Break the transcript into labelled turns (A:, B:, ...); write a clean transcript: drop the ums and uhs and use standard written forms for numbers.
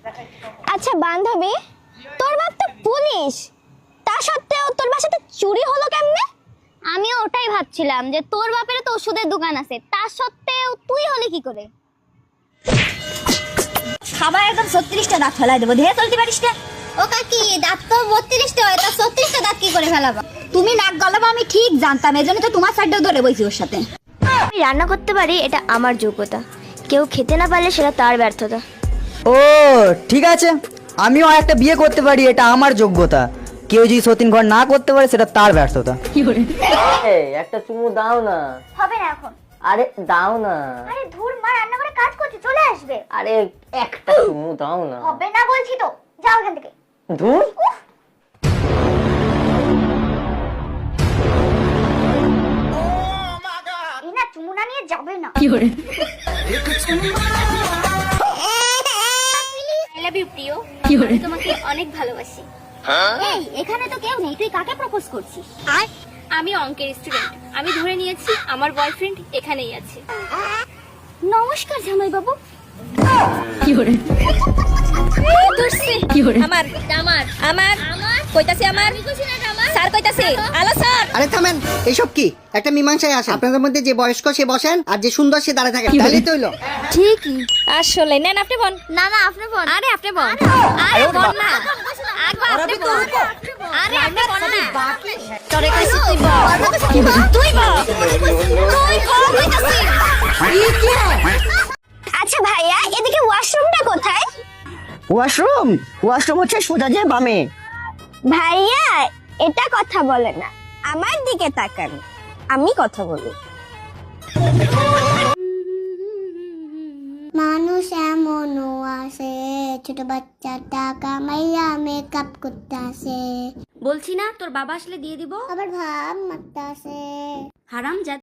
A: আচ্ছা বান্ধবী, তোর বাপ তো পুলিশ, তা সত্ত্বেও তোর বাসাতে চুরি হলো কেমনে? আমিও ওটাই ভাবছিলাম যে তোর বাপের তো ওষুধের দোকান আছে, তা সত্ত্বেও তুই হলি কি করে?
B: খাবার একদম 36টা দাঁত ফেলাই দেবো, ধেয়ে চলতে পারিস না।
A: ও কাকি, দাঁত তো 32টা হয়, তা 36টা দাঁত কি করে ফেলাবা?
B: তুমি নাক গলাবো আমি ঠিক জানতাম, এজন্য তো তোমার সাইডেও ধরে বইছি ওর সাথে।
C: আমি রান্না করতে পারি এটা আমার যোগ্যতা, কেউ খেতে না পারলে সেটা তার ব্যর্থতা।
D: ও ঠিক আছে, আমিও একটা বিয়ে করতে পারি, এটা আমার যোগ্যতা। কেউ যদি সতীন ঘর না করতে পারে সেটা তার ব্যর্থতা।
E: একটা চুমু দাও না।
A: হবে না এখন।
E: আরে দাও না।
A: আরে ধুর, মা রান্না করে কাজ করছে, চলে আসবে।
E: আরে একটা চুমু দাও না।
A: হবে না বলছি তো, যাও এখান থেকে।
E: ধুর।
A: এই না, চুমু না নিয়ে যাবে না। I love you, প্রিয়। আমি তোমাকে অনেক ভালোবাসি। এই, এখানে তো কেউ নেই, তুই কাকে প্রপোজ করছিস?
F: আমি অঙ্কের স্টুডেন্ট, আমি ধরে নিয়েছি আমার বয়ফ্রেন্ড এখানেই আছে।
A: নমস্কার জামাই বাবু।
F: আমার আমার আমার কইতাছে আমার স্যার কইতাছে আলো স্যার।
G: আরে থামেন, এইসব কি? একটা মীমাংসায় আসে, আপনাদের মধ্যে যে বয়স্ক সে বসেন আর যে সুন্দর সে দাঁড়িয়ে থাকেন, তাহলেই তো হইলো।
F: ঠিকই, আসলে নেন আপনি বল।
A: না না, আপনি বল।
F: আরে আপনি বল। আরে বল না, একবার আপনি বল। আরে আপনি বল না, তোরে কইছি তুই বল। তুই বল, তুই বল কইতাছি।
A: আচ্ছা ভাইয়া, এদিকে ওয়াশরুমটা কোথায়?
D: ওয়াশরুম হচ্ছে সোজা যে বামে।
A: ভাইয়া, এটা কথা বলে না, আমার দিকে তাকান, আমি কথা বলি। মানুষ এমনও আছে, ছোট বাচ্চা টাকা মাইয়া মেকআপ করতে আসে।
F: বলছি না তোর বাবা আসলে দিয়ে দিব।
A: আবার ভাব মারতে আসে।
F: হারাম